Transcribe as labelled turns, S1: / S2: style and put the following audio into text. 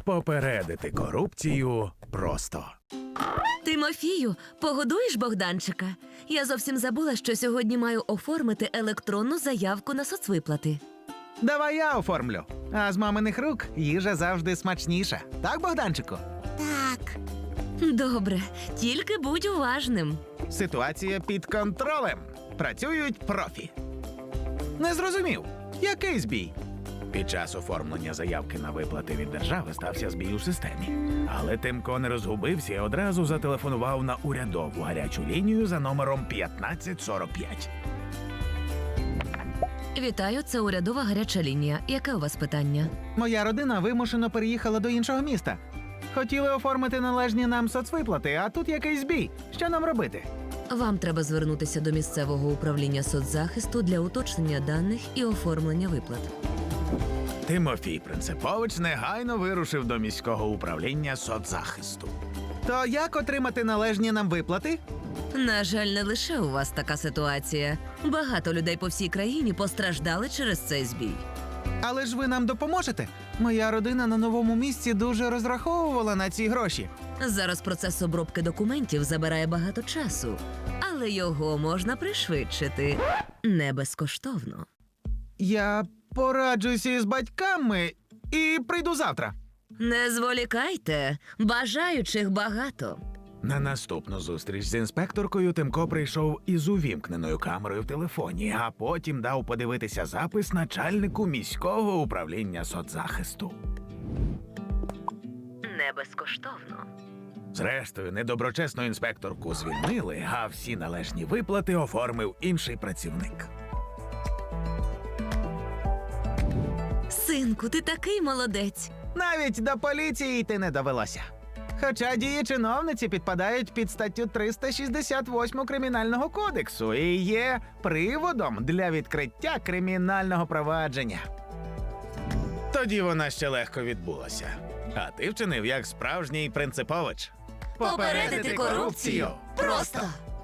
S1: Попередити корупцію просто.
S2: Тимофію, погодуєш Богданчика? Я зовсім забула, що сьогодні маю оформити електронну заявку на соцвиплати.
S3: Давай я оформлю. А з маминих рук їжа завжди смачніша. Так, Богданчику?
S4: Так.
S2: Добре, тільки будь уважним.
S3: Ситуація під контролем. Працюють профі. Не зрозумів. Який збій?
S1: Під час оформлення заявки на виплати від держави стався збій у системі. Але Тимко не розгубився і одразу зателефонував на урядову гарячу лінію за номером 1545.
S2: Вітаю, це урядова гаряча лінія. Яке у вас питання?
S3: Моя родина вимушено переїхала до іншого міста. Хотіли оформити належні нам соцвиплати, а тут якийсь збій. Що нам робити?
S2: Вам треба звернутися до місцевого управління соцзахисту для уточнення даних і оформлення виплат.
S1: Тимофій Принципович негайно вирушив до міського управління соцзахисту.
S3: То як отримати належні нам виплати?
S2: На жаль, не лише у вас така ситуація. Багато людей по всій країні постраждали через цей збій.
S3: Але ж ви нам допоможете? Моя родина на новому місці дуже розраховувала на ці гроші.
S2: Зараз процес обробки документів забирає багато часу, але його можна пришвидшити. Не безкоштовно.
S3: Я пораджуся із батьками і прийду завтра.
S2: Не зволікайте, бажаючих багато.
S1: На наступну зустріч з інспекторкою Тимко прийшов із увімкненою камерою в телефоні, а потім дав подивитися запис начальнику міського управління соцзахисту.
S2: Не безкоштовно.
S1: Зрештою, недоброчесну інспекторку звільнили, а всі належні виплати оформив інший працівник.
S2: Синку, ти такий молодець.
S3: Навіть до поліції йти не довелося. Хоча дії чиновниці підпадають під статтю 368 Кримінального кодексу і є приводом для відкриття кримінального провадження.
S1: Тоді вона ще легко відбулася. А ти вчинив як справжній Принципович.
S2: Попередити корупцію просто.